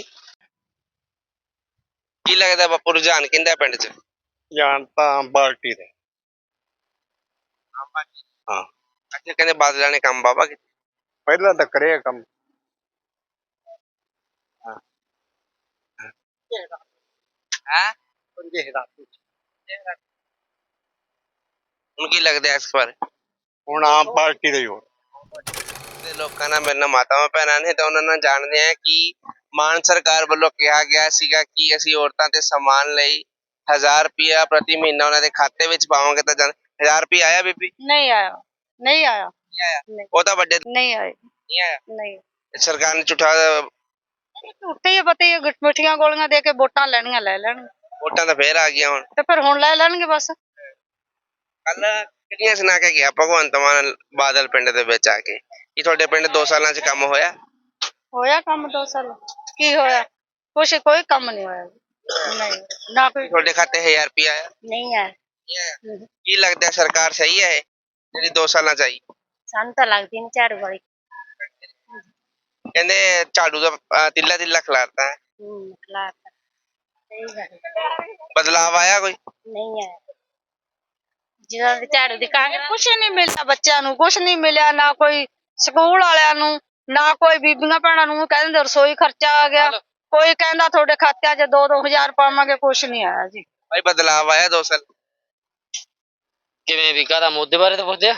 ਕੀ ਲੱਗਦਾ ਬਾਪੂ ਰੁਝਾਨ ਕਿਹਦਾ ਪਿੰਡ 'ਚ?
ਜਾਨ ਤਾਂ ਆਮ ਪਾਰਟੀ ਦੇ।
ਹਾਂ ਅੱਛਾ, ਕਹਿੰਦੇ ਬਾਦਲਾਂ ਨੇ ਕੰਮ ਬਾਬਾ ਕੀਤਾ।
ਪਹਿਲਾਂ ਤਾਂ ਕਰਿਆ ਕੰਮ।
ਹੈ ਹੁਣ ਕੀ ਲੱਗਦਾ ਇਸ ਬਾਰੇ?
ਹੁਣ ਆਮ ਪਾਰਟੀ ਦਾ ਹੀ ਹੋ।
ਦੇ ਲੋਕਾਂ ਨਾਲ ਮੇਰੇ ਨਾਲ ਮਾਤਾਵਾਂ ਭੈਣਾਂ ਨੇ ਤਾਂ ਉਹਨਾਂ ਨਾਲ ਜਾਣਦੇ ਆ ਕਿ ਮਾਨ ਸਰਕਾਰ ਵੱਲੋਂ ਕਿਹਾ ਗਿਆ ਸੀਗਾ ਕਿ ਅਸੀਂ ਔਰਤਾਂ ਤੇ ਸਮਾਨ ਲਈ 1000 ਰੁਪਇਆ ਪ੍ਰਤੀ ਮਹੀਨਾ ਉਹਨਾਂ ਦੇ ਖਾਤੇ ਵਿੱਚ ਪਾਵਾਂਗੇ। ਤਾਂ 1000 ਰੁਪਇਆ ਆਇਆ ਬੀਬੀ?
ਨਹੀਂ ਆਇਆ, ਨਹੀਂ ਆਇਆ,
ਨਹੀਂ ਆਇਆ?
ਨਹੀਂ।
ਉਹ ਤਾਂ ਵੱਡੇ
ਨਹੀਂ ਆਏ,
ਨਹੀਂ ਆਇਆ।
ਨਹੀਂ।
ਸਰਕਾਰ ਨੇ ਝੂਠਾ
ਝੂਠੇ ਹੀ ਪਤਾ ਹੀ ਹੈ, ਮਿੱਠੀਆਂ ਗੋਲੀਆਂ ਦੇ ਕੇ ਵੋਟਾਂ ਲੈਣੀਆਂ ਲੈ ਲੈਣ,
ਵੋਟਾਂ ਤਾਂ ਫੇਰ ਆ ਗਈਆਂ ਹੁਣ।
ਤੇ ਫਿਰ ਹੁਣ ਲੈ ਲੈਣਗੇ ਬਸ।
ਕੱਲ ਕਿਹੜੀਆਂ ਸੁਣਾ ਕੇ ਗਿਆ ਭਗਵੰਤ ਮਾਨ ਬਾਦਲ ਪਿੰਡ ਦੇ ਵਿੱਚ ਆ ਕੇ ਕਿ ਤੁਹਾਡੇ ਪਿੰਡ 2 ਸਾਲਾਂ 'ਚ ਕੰਮ ਹੋਇਆ?
ਹੋਇਆ ਕੰਮ 2 ਸਾਲ? ਕੀ ਹੋਇਆ? ਕੁਛ ਕੋਈ ਕੰਮ ਨਹੀਂ ਹੋਇਆ। ਨਹੀਂ ਨਾ ਕੋਈ।
ਤੁਹਾਡੇ ਖਾਤੇ 1000 ਰੁਪਇਆ ਆਇਆ?
ਨਹੀਂ ਆਇਆ।
ਨਹੀਂ ਆਇਆ। ਕੀ ਲੱਗਦਾ ਸਰਕਾਰ ਸਹੀ ਹੈ ਇਹ ਜਿਹੜੀ 2 ਸਾਲਾਂ 'ਚ ਆਈ?
ਸਾਨੂੰ ਤਾਂ ਲੱਗਦੀ ਨਹੀਂ ਝਾੜੂ ਵਾਲੀ।
ਕਹਿੰਦੇ ਝਾੜੂ ਦਾ ਤਿੱਲਾ ਤਿੱਲਾ ਖਿਲਾਰਤਾ ਹੈ।
ਖਿਲਾਰਤਾ। ਸਹੀ ਗੱਲ।
ਬਦਲਾਵ ਆਇਆ ਕੋਈ?
ਨਹੀਂ ਆਇਆ। ਜਿਹਨਾਂ ਦੇ ਝਾੜੂ ਦੀ ਕਾਂਗਰਸ ਕੁਛ ਨਹੀਂ ਮਿਲਿਆ, ਬੱਚਿਆਂ ਨੂੰ ਕੁਛ ਨਹੀਂ ਮਿਲਿਆ, ਨਾ ਕੋਈ ਸਕੂਲ ਵਾਲਿਆਂ ਨੂੰ, ਨਾ ਕੋਈ ਬੀਬੀਆਂ ਭੈਣਾਂ ਨੂੰ। ਕਹਿੰਦੇ ਰਸੋਈ ਖਰਚਾ ਆ ਗਿਆ, ਕੋਈ ਕਹਿੰਦਾ ਤੁਹਾਡੇ ਖਾਤਿਆਂ 'ਚ 2-2000 ਪਾਵਾਂਗੇ, ਕੁਛ ਨਹੀਂ ਆਇਆ ਜੀ।
ਭਾਈ ਬਦਲਾਵ ਆਇਆ 2 ਸਾਲ?
ਕਿਵੇਂ ਵੀ ਕਾਹਦਾ ਮੁੱਦੇ ਬਾਰੇ ਤਾਂ ਪੁੱਛਦੇ ਆ।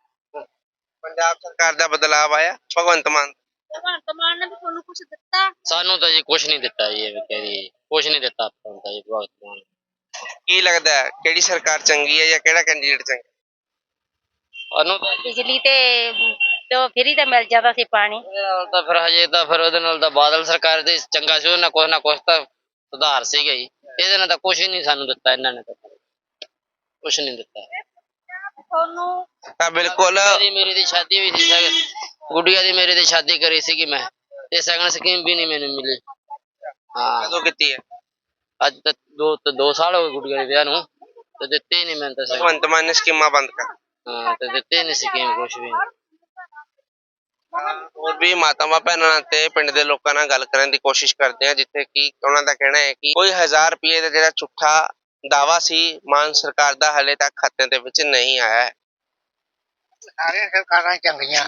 ਪੰਜਾਬ ਸਰਕਾਰ ਦਾ ਬਦਲਾਵ ਆਇਆ ਭਗਵੰਤ ਮਾਨ?
ਭਗਵੰਤ ਮਾਨ ਨੇ ਵੀ ਤੁਹਾਨੂੰ ਕੁਛ ਦਿੱਤਾ?
ਸਾਨੂੰ ਤਾਂ ਜੀ ਕੁਛ ਨਹੀਂ ਦਿੱਤਾ ਜੀ, ਐਵੇਂ ਕਹਿ ਦਈਏ ਕੁਛ ਨਹੀਂ ਦਿੱਤਾ ਆਪਾਂ ਨੂੰ ਤਾਂ ਜੀ ਭਗਵੰਤ ਮਾਨ।
ਕੀ ਲੱਗਦਾ ਹੈ ਕਿਹੜੀ ਸਰਕਾਰ ਚੰਗੀ ਹੈ ਜਾਂ ਕਿਹੜਾ ਕੈਂਡੀਡੇਟ ਚੰਗਾ?
ਸਾਨੂੰ ਤਾਂ
ਬਿਜਲੀ ਤੇ ਜੋ ਫਰੀ ਤੇ ਮਿਲ ਜਾਂਦਾ ਸੀ ਪਾਣੀ।
ਉਹਦੇ ਨਾਲ ਤਾਂ ਫਿਰ ਹਜੇ ਤਾਂ ਫਿਰ ਉਹਦੇ ਨਾਲ ਤਾਂ ਬਾਦਲ ਸਰਕਾਰ ਦੇ ਚੰਗਾ ਸੀ, ਉਹਨਾਂ ਕੁਛ ਨਾ ਕੁਛ ਤਾਂ ਸੁਧਾਰ ਸੀਗਾ ਜੀ। ਇਹਦੇ ਨਾਲ ਤਾਂ ਕੁਛ ਹੀ ਨਹੀਂ ਸਾਨੂੰ ਦਿੱਤਾ, ਇਹਨਾਂ ਨੇ ਤਾਂ ਕੁਛ ਨਹੀਂ ਦਿੱਤਾ।
ਤੁਹਾਨੂੰ
ਤਾਂ ਬਿਲਕੁਲ
ਮੇਰੀ ਦੀ ਸ਼ਾਦੀ ਵੀ ਸੀ, ਗੁੱਡੀਆ ਦੀ ਮੇਰੀ ਦੀ ਸ਼ਾਦੀ ਕਰੀ ਸੀਗੀ ਮੈਂ, ਤੇ ਸਗਨ ਸਕੀਮ ਵੀ ਨਹੀਂ ਮੈਨੂੰ ਮਿਲੀ। ਹਾਂ
ਕਦੋਂ ਕੀਤੀ ਹੈ?
ਅੱਜ ਤੱਕ 2 ਸਾਲ ਹੋ ਗਏ ਗੁੱਡੀਆ ਦੇ ਵਿਆਹ ਨੂੰ, ਤੇ ਦਿੱਤੇ ਹੀ ਨਹੀਂ ਮੈਨੂੰ ਤਾਂ ਸ਼ਗਨ।
ਭਗਵੰਤ ਮਾਨ ਨੇ ਸਕੀਮਾਂ ਬੰਦ ਕਰ।
ਹਾਂ ਤੇ ਦਿੱਤੇ ਨਹੀਂ ਸਕੀਮ ਕੁਛ ਵੀ।
ਹੋਰ ਵੀ ਮਾਤਾਵਾਂ ਭੈਣਾਂ ਤੇ ਪਿੰਡ ਦੇ ਲੋਕਾਂ ਨਾਲ ਗੱਲ ਕਰਨ ਦੀ ਕੋਸ਼ਿਸ਼ ਕਰਦੇ ਆ, ਜਿੱਥੇ ਕਿ ਉਹਨਾਂ ਦਾ ਕਹਿਣਾ ਹੈ ਕਿ ਕੋਈ 1000 ਰੁਪਏ ਦਾ ਜਿਹੜਾ ਝੂਠਾ ਦਾਵਾ ਸੀ ਮਾਨ ਸਰਕਾਰ ਦਾ ਹਲੇ ਤੱਕ ਖਾਤੇ ਦੇ ਵਿੱਚ ਨਹੀਂ ਆਇਆ ਹੈ।
ਸਾਰੀਆਂ ਸਰਕਾਰਾਂ ਚੰਗੀਆਂ।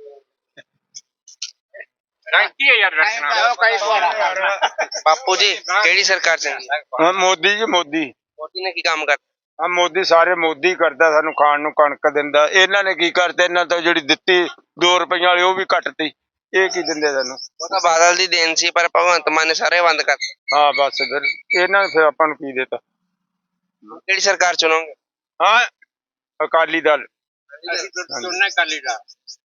ਬਾਪੂ ਜੀ ਕਿਹੜੀ ਸਰਕਾਰ ਚੰਗੀ ਹੈ?
ਮੋਦੀ ਜੀ ਮੋਦੀ।
ਮੋਦੀ ਨੇ ਕੀ ਕੰਮ ਕਰਤਾ?
ਆ ਮੋਦੀ ਸਾਰੇ ਮੋਦੀ ਕਰਦਾ, ਸਾਨੂੰ ਖਾਣ ਨੂੰ ਕਣਕ ਦਿੰਦਾ। ਇਹਨਾਂ ਨੇ ਕੀ ਕਰਤਾ, ਇਹਨਾਂ ਤੋਂ ਜਿਹੜੀ ਦਿੱਤੀ 2 ਰੁਪਈਆਂ ਵਾਲੀ ਉਹ ਵੀ ਕੱਟਤੀ। ਇਹ ਕੀ ਦਿੰਦੇ ਸਾਨੂੰ?
ਉਹ ਤਾਂ ਬਾਦਲ ਦੀ ਦੇਣ ਸੀ, ਪਰ ਭਗਵੰਤ ਮਾਨ ਨੇ ਸਾਰੇ ਬੰਦ ਕਰਤੇ।
ਹਾਂ ਬਸ ਫਿਰ ਇਹਨਾਂ ਨੇ ਫਿਰ ਆਪਾਂ ਨੂੰ ਕੀ ਦਿੱਤਾ?
ਕਿਹੜੀ ਸਰਕਾਰ ਚੁਣੋਗੇ?
ਹਾਂ ਅਕਾਲੀ ਦਲ।
ਅਕਾਲੀ ਦਲ।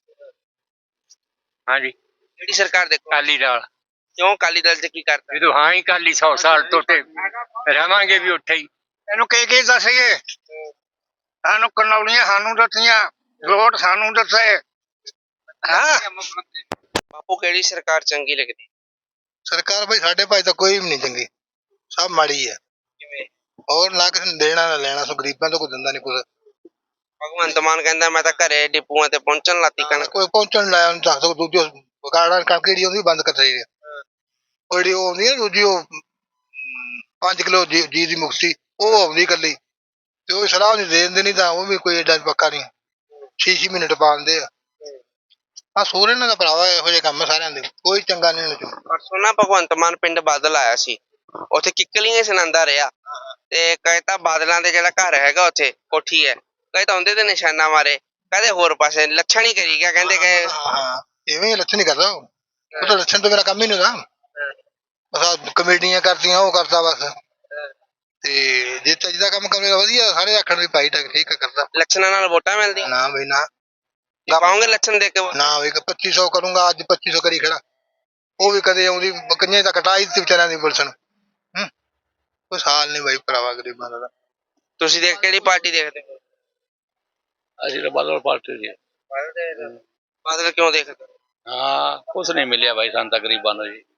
ਹਾਂਜੀ
ਕਿਹੜੀ ਸਰਕਾਰ ਦੇਖੋ?
ਅਕਾਲੀ ਦਲ।
ਕਿਉਂ ਅਕਾਲੀ ਦਲ 'ਚ ਕੀ ਕਰਤਾ?
ਜਦੋਂ ਹਾਂ ਹੀ ਅਕਾਲੀ 100 ਸਾਲ ਤੋਂ ਤੇ ਰਵਾਂਗੇ ਵੀ ਉੱਥੇ ਹੀ।
ਇਹਨੂੰ ਕੀ ਦੱਸੀਏ? ਸਾਨੂੰ ਕਨੌਲੀਆਂ ਸਾਨੂੰ ਦਿੱਤੀਆਂ, ਲੋਟ ਸਾਨੂੰ ਦਿੱਤੇ। ਹਾਂ
ਬਾਪੂ ਕਿਹੜੀ ਸਰਕਾਰ ਚੰਗੀ ਲੱਗਦੀ?
ਸਰਕਾਰ ਬਈ ਸਾਡੇ ਭਾਈ ਤਾਂ ਕੋਈ ਵੀ ਨਹੀਂ ਚੰਗੀ, ਸਭ ਮਾੜੀ ਹੈ।
ਕਿਵੇਂ?
ਔਰ ਨਾ ਕਿਸੇ ਨੂੰ ਦੇਣਾ ਨਾ ਲੈਣਾ, ਸੋ ਗਰੀਬਾਂ ਤੋਂ ਕੋਈ ਦਿੰਦਾ ਨਹੀਂ ਕੁਛ।
ਭਗਵੰਤ ਮਾਨ ਕਹਿੰਦਾ ਮੈਂ ਤਾਂ ਘਰੇ ਡਿਪੂਆਂ ਤੇ ਪਹੁੰਚਣ ਲਾਤੀ ਕਣਕ।
ਕੋਈ ਪਹੁੰਚਣ ਲਾਇਆ ਉਹਨੂੰ ਦੱਸ ਦੋ, ਦੂਜੀ ਕਾਰਡਾਂ ਕਣਕ ਜਿਹੜੀ ਉਹਦੀ ਬੰਦ ਕਰ ਚਾਹੀਦੀ ਹੈ। ਉਹ ਜਿਹੜੀ ਉਹ ਆਉਂਦੀ ਹੈ ਦੂਜੀ, ਉਹ 5 ਕਿਲੋ ਜੀ ਦੀ ਮੁਕਤੀ, ਉਹ ਆਉਂਦੀ ਇਕੱਲੀ, ਤੇ ਉਹ ਸਲਾਹ ਨਹੀਂ ਦੇ ਦਿੰਦੇ, ਨਹੀਂ ਤਾਂ ਉਹ ਵੀ ਕੋਈ ਏਡਾ ਪੱਕਾ ਨਹੀਂ, 6 ਮਿੰਟ ਪਾ ਦਿੰਦੇ ਆ। ਆ ਸੋਰੇ ਇਹਨਾਂ ਦਾ ਭਰਾਵਾ ਇਹੋ ਜਿਹੇ ਕੰਮ ਸਾਰਿਆਂ ਦੇ, ਕੋਈ ਚੰਗਾ ਨਹੀਂ ਇਹਨਾਂ ਚੋਂ।
ਪਰਸੋਂ ਨਾ ਭਗਵੰਤ ਮਾਨ ਪਿੰਡ ਬਾਦਲ ਆਇਆ ਸੀ, ਉੱਥੇ ਕਿੱਕਲੀਆਂ ਸੁਣਾਉਂਦਾ ਰਿਹਾ, ਤੇ ਕਹੇ ਤਾਂ ਬਾਦਲਾਂ ਦੇ ਜਿਹੜਾ ਘਰ ਹੈਗਾ ਉੱਥੇ ਕੋਠੀ ਹੈ, ਕਹੇ ਤਾਂ ਉਹਦੇ ਤੇ ਨਿਸ਼ਾਨਾ ਮਾਰੇ, ਕਹਿੰਦੇ ਹੋਰ ਪਾਸੇ ਲੱਛਣ ਹੀ ਕਰੀ ਗਿਆ, ਕਹਿੰਦੇ ਕਿ
ਹਾਂ ਇਵੇਂ ਲੱਛਣ ਨਹੀਂ ਕਰਦਾ ਉਹ ਤਾਂ ਲੱਛਣ ਤੋਂ ਮੇਰਾ ਕੰਮ ਹੀ ਨਹੀਂ ਹੁੰਦਾ। ਬਸ ਆਹ ਕਮੇਡੀਆਂ ਕਰਦੀਆਂ, ਉਹ ਕਰਦਾ ਬਸ। ਤੇ ਜੇ ਚੱਜਦਾ ਕੰਮ ਕਰੇਗਾ ਵਧੀਆ, ਸਾਰੇ ਆਖਣ ਵੀ ਭਾਈ ਠੀਕ ਕਰਦਾ।
ਲੱਛਣਾਂ ਨਾਲ ਵੋਟਾਂ ਮਿਲਦੀਆਂ?
ਨਾ ਬਈ ਨਾ,
ਪਾਉਂਗੇ ਲੱਛਣ ਦੇ ਕੇ?
ਨਾ ਬਈ 2500 ਕਰੂੰਗਾ, ਅੱਜ 2500 ਕਰੀ ਖੜਾ, ਉਹ ਵੀ ਕਦੇ ਆਉਂਦੀ ਕੰਨੇ ਤਾਂ ਕਟਾਈ ਦਿੱਤੀ ਵਿਚਾਰਿਆਂ ਦੀ ਪੁਲਿਸ ਨੂੰ। ਕੋਈ ਹਾਲ ਨਹੀਂ ਬਾਈ ਭਰਾਵਾ ਗਰੀਬਾਂ ਦਾ।
ਤੁਸੀਂ ਦੇਖ ਕਿਹੜੀ ਪਾਰਟੀ ਦੇਖਦੇ ਹੋ?
ਅਸੀਂ ਤਾਂ ਬਾਦਲ ਪਾਰਟੀ ਦੇ।
ਬਾਦਲ ਕਿਉਂ ਦੇਖਦੇ?
ਹਾਂ ਕੁਛ ਨਹੀਂ ਮਿਲਿਆ ਭਾਈ ਸਾਨੂੰ ਤਾਂ ਗਰੀਬਾਂ ਨੂੰ ਜੀ।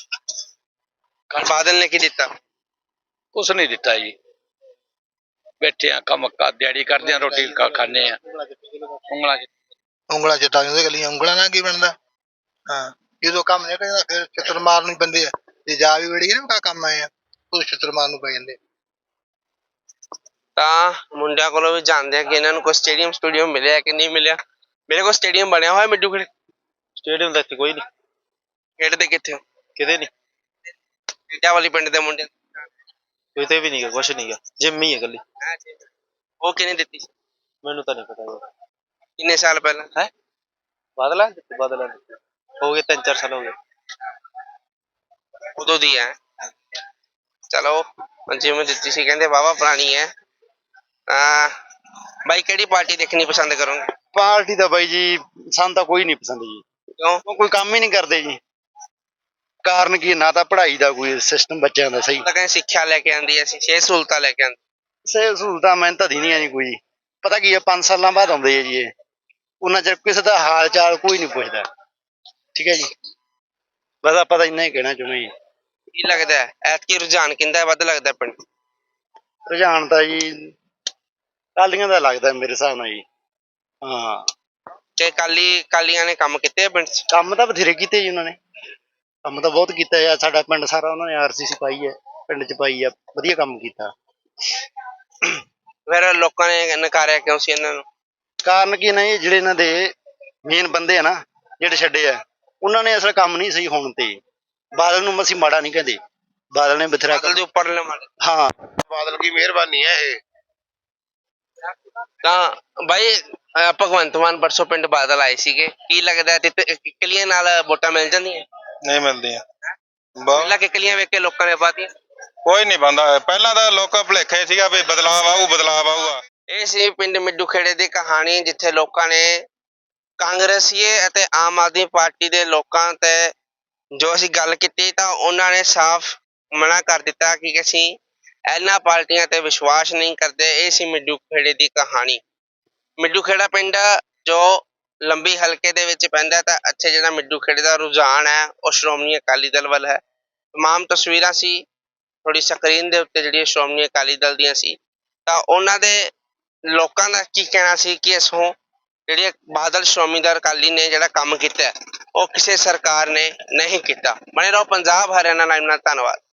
ਬਾਦਲ ਨੇ ਕੀ ਦਿੱਤਾ?
ਕੁਛ ਨਹੀਂ ਦਿੱਤਾ ਜੀ, ਬੈਠੇ ਆ ਕੰਮ ਦਿਹਾੜੀ ਕਰਦੇ ਆ, ਰੋਟੀ ਖਾਂਦੇ ਆ,
ਉਂਗਲਾਂ ਚਿੱਟਾ ਜਾਂਦੇ ਗਲੀਆਂ, ਉਂਗਲਾਂ ਨਾਲ ਕੀ ਬਣਦਾ। ਹਾਂ ਜਦੋਂ ਕੰਮ ਨਹੀਂ ਕਰਦਾ ਫਿਰ ਛਿੱਤਰ ਮਾਰਨ ਨੂੰ ਪੈਂਦੇ ਆ, ਜੇ ਜਾ ਵੀ ਵੜੀ ਨਾ ਕੰਮ ਆਏ ਆ ਉਹ ਛਿੱਤਰ ਮਾਰਨ ਨੂੰ ਪੈ ਜਾਂਦੇ।
ਤਾਂ ਮੁੰਡਿਆਂ ਕੋਲੋਂ ਵੀ ਜਾਣਦੇ ਆ ਕਿ ਇਹਨਾਂ ਨੂੰ ਕੋਈ ਸਟੇਡੀਅਮ ਮਿਲਿਆ ਕਿ ਨਹੀਂ ਮਿਲਿਆ। ਮੇਰੇ ਕੋਲ ਸਟੇਡੀਅਮ ਬਣਿਆ ਹੋਇਆ ਮਿੱਡੂ ਖੇੜੇ।
ਸਟੇਡੀਅਮ ਦਾ ਇੱਥੇ ਕੋਈ ਨਹੀਂ।
ਖੇਡਦੇ ਕਿੱਥੇ ਹੋ?
ਕਿਤੇ ਨਹੀਂ,
ਖੇਡਿਆ ਵਾਲੀ ਪਿੰਡ ਦੇ ਮੁੰਡੇ
ਕਿਤੇ ਵੀ ਨਹੀਂਗਾ, ਕੁਛ ਨਹੀਂਗਾ, ਜਿੰਮ ਹੀ ਹੈ ਇਕੱਲੀ।
ਉਹ ਕਿਹਨੇ ਦਿੱਤੀ?
ਮੈਨੂੰ ਤਾਂ ਨਹੀਂ ਪਤਾ।
ਕਿੰਨੇ ਸਾਲ ਪਹਿਲਾਂ?
ਹੈ ਬਾਦਲਾਂ ਹੋ ਗਏ 3-4 ਸਾਲ ਹੋ ਗਏ।
ਉਦੋਂ ਦੀ ਹੈ। ਚਲੋ ਜਿਵੇਂ ਦਿੱਤੀ ਸੀ ਕਹਿੰਦੇ ਵਾਹਵਾ ਪੁਰਾਣੀ ਹੈ। ਬਾਈ ਕਿਹੜੀ ਪਾਰਟੀ ਦੇਖਣੀ ਪਸੰਦ ਕਰੋਗੇ?
ਪਾਰਟੀ ਦਾ ਬਾਈ ਜੀ ਸਾਨੂੰ ਤਾਂ ਕੋਈ ਨਹੀਂ ਪਸੰਦ ਜੀ।
ਕਿਉਂ?
ਕੋਈ ਕੰਮ ਹੀ ਨਹੀਂ ਕਰਦੇ ਜੀ। ਕਾਰਨ ਕੀ, ਨਾ ਤਾਂ ਪੜ੍ਹਾਈ ਦਾ ਕੋਈ ਸਿਸਟਮ ਬੱਚਿਆਂ ਦਾ ਸਹੀ,
ਤਾਂ ਕਹਿੰਦੇ ਸਿੱਖਿਆ ਲੈ ਕੇ ਆਂਦੀ, ਅਸੀਂ 6 ਸਹੂਲਤਾਂ ਲੈ ਕੇ ਆਂਦੇ।
ਸਹੂਲਤਾਂ ਮੈਨੂੰ ਤਾਂ ਦਿੰਦੀਆਂ ਨਹੀਂ ਕੋਈ। ਪਤਾ ਕੀ ਹੈ, 5 ਸਾਲਾਂ ਬਾਅਦ ਆਉਂਦੇ ਆ ਜੀ ਇਹ, ਉਹਨਾਂ ਚਿਰ ਕਿਸੇ ਦਾ ਹਾਲ ਚਾਲ ਕੋਈ ਨਹੀਂ ਪੁੱਛਦਾ। ਠੀਕ ਹੈ ਜੀ, ਬਸ ਆਪਾਂ ਤਾਂ ਇੰਨਾ ਹੀ ਕਹਿਣਾ ਚਾਹੁੰਦੇ ਜੀ।
ਕੀ ਲੱਗਦਾ ਹੈ ਐਤਕੀ ਰੁਝਾਨ ਕਿੰਦਾ ਵੱਧ ਲੱਗਦਾ ਪਿੰਡ?
ਰੁਝਾਨ ਤਾਂ ਜੀ ਕਾਲੀਆਂ ਦਾ ਲੱਗਦਾ ਮੇਰੇ ਹਿਸਾਬ ਨਾਲ ਜੀ। ਹਾਂ
ਕਿ ਕਾਲੀਆਂ ਨੇ ਕੰਮ ਕੀਤੇ ਆ ਪਿੰਡ 'ਚ?
ਕੰਮ ਤਾਂ ਬਥੇਰੇ ਕੀਤੇ ਜੀ ਉਹਨਾਂ ਨੇ, ਕੰਮ ਤਾਂ ਬਹੁਤ ਕੀਤਾ ਆ। ਸਾਡਾ ਪਿੰਡ ਸਾਰਾ ਉਹਨਾਂ ਨੇ RCC ਪਾਈ ਹੈ, ਪਿੰਡ 'ਚ ਪਾਈ ਆ, ਵਧੀਆ ਕੰਮ ਕੀਤਾ।
ਫਿਰ ਲੋਕਾਂ ਨੇ ਨਕਾਰਿਆ ਕਿਉਂ ਸੀ ਇਹਨਾਂ ਨੂੰ?
ਕਾਰਨ ਕੀ ਨਾ, ਇਹ ਜਿਹੜੇ ਇਹਨਾਂ ਦੇ ਮੇਨ ਬੰਦੇ ਆ ਨਾ ਜਿਹੜੇ ਛੱਡੇ ਆ, ਉਹਨਾਂ ਨੇ ਅਸਲ ਕੰਮ ਨਹੀਂ ਸਹੀ ਹੋਣ ਤੇ। ਬਾਦਲ ਨੂੰ ਅਸੀਂ ਮਾੜਾ ਨਹੀਂ ਕਹਿੰਦੇ, ਬਾਦਲ ਨੇ ਬਥੇਰਾ
ਬਾਦਲ ਦੇ ਉੱਪਰ ਲੈ ਮਾਰੇ।
ਹਾਂ
ਬਾਦਲ ਦੀ ਮਿਹਰਬਾਨੀ ਹੈ ਇਹ।
ਤਾਂ ਬਾਈ ਭਗਵੰਤ ਮਾਨ ਪਰਸੋਂ ਪਿੰਡ ਬਾਦਲ ਆਏ ਸੀਗੇ, ਕੀ ਲੱਗਦਾ ਕਿੱਕਲੀਆਂ ਨਾਲ ਵੋਟਾਂ ਮਿਲ ਜਾਂਦੀਆਂ?
ਨਹੀਂ ਮਿਲਦੀਆਂ।
ਪਹਿਲਾਂ ਕਿੱਕਲੀਆਂ ਵੇਖ ਕੇ ਲੋਕਾਂ ਨੇ ਪਾਤੀਆਂ।
ਕੋਈ ਨਹੀਂ ਬੰਦਾ, ਪਹਿਲਾਂ ਤਾਂ ਲੋਕਾਂ ਭੁਲੇਖੇ ਸੀਗਾ ਵੀ ਬਦਲਾਵ ਆਊਗਾ।
ਇਹ ਸੀ ਪਿੰਡ ਮਿੱਡੂ ਖੇੜੇ ਦੀ ਕਹਾਣੀ, ਜਿੱਥੇ ਲੋਕਾਂ ਨੇ ਕਾਂਗਰਸੀਏ ਅਤੇ ਆਮ ਆਦਮੀ ਪਾਰਟੀ ਦੇ ਲੋਕਾਂ ਤੇ ਜੋ ਅਸੀਂ ਗੱਲ ਕੀਤੀ ਤਾਂ ਉਹਨਾਂ ਨੇ ਸਾਫ਼ ਮਨਾ ਕਰ ਦਿੱਤਾ ਕਿ ਅਸੀਂ ਇਹਨਾਂ ਪਾਰਟੀਆਂ ਤੇ ਵਿਸ਼ਵਾਸ ਨਹੀਂ ਕਰਦੇ। ਇਹ ਸੀ ਮਿੱਡੂ ਖੇੜੇ ਦੀ ਕਹਾਣੀ। ਮਿੱਡੂ ਖੇੜਾ ਪਿੰਡ ਜੋ ਲੰਬੀ ਹਲਕੇ ਦੇ ਵਿੱਚ ਪੈਂਦਾ, ਤਾਂ ਇੱਥੇ ਜਿਹੜਾ ਮਿੱਡੂ ਖੇੜੇ ਦਾ ਰੁਝਾਨ ਹੈ ਉਹ ਸ਼੍ਰੋਮਣੀ ਅਕਾਲੀ ਦਲ ਵੱਲ ਹੈ। ਤਮਾਮ ਤਸਵੀਰਾਂ ਸੀ ਥੋੜੀ ਸਕਰੀਨ ਦੇ ਉੱਤੇ ਜਿਹੜੀਆਂ ਸ਼੍ਰੋਮਣੀ ਅਕਾਲੀ ਦਲ ਦੀਆਂ ਸੀ, ਤਾਂ ਉਹਨਾਂ ਦੇ ਲੋਕਾਂ ਦਾ ਕੀ ਕਹਿਣਾ ਸੀ ਕਿ ਇਸੋਂ ਜਿਹੜੀ ਬਾਦਲ ਸ਼੍ਰੋਮਣੀ ਦਲ ਅਕਾਲੀ ਨੇ ਜਿਹੜਾ ਕੰਮ ਕੀਤਾ ਉਹ ਕਿਸੇ ਸਰਕਾਰ ਨੇ ਨਹੀਂ ਕੀਤਾ। ਬਣੇ ਰਹੋ ਪੰਜਾਬ ਹਰਿਆਣਾ ਲਾਈਵ ਨਾਲ। ਧੰਨਵਾਦ।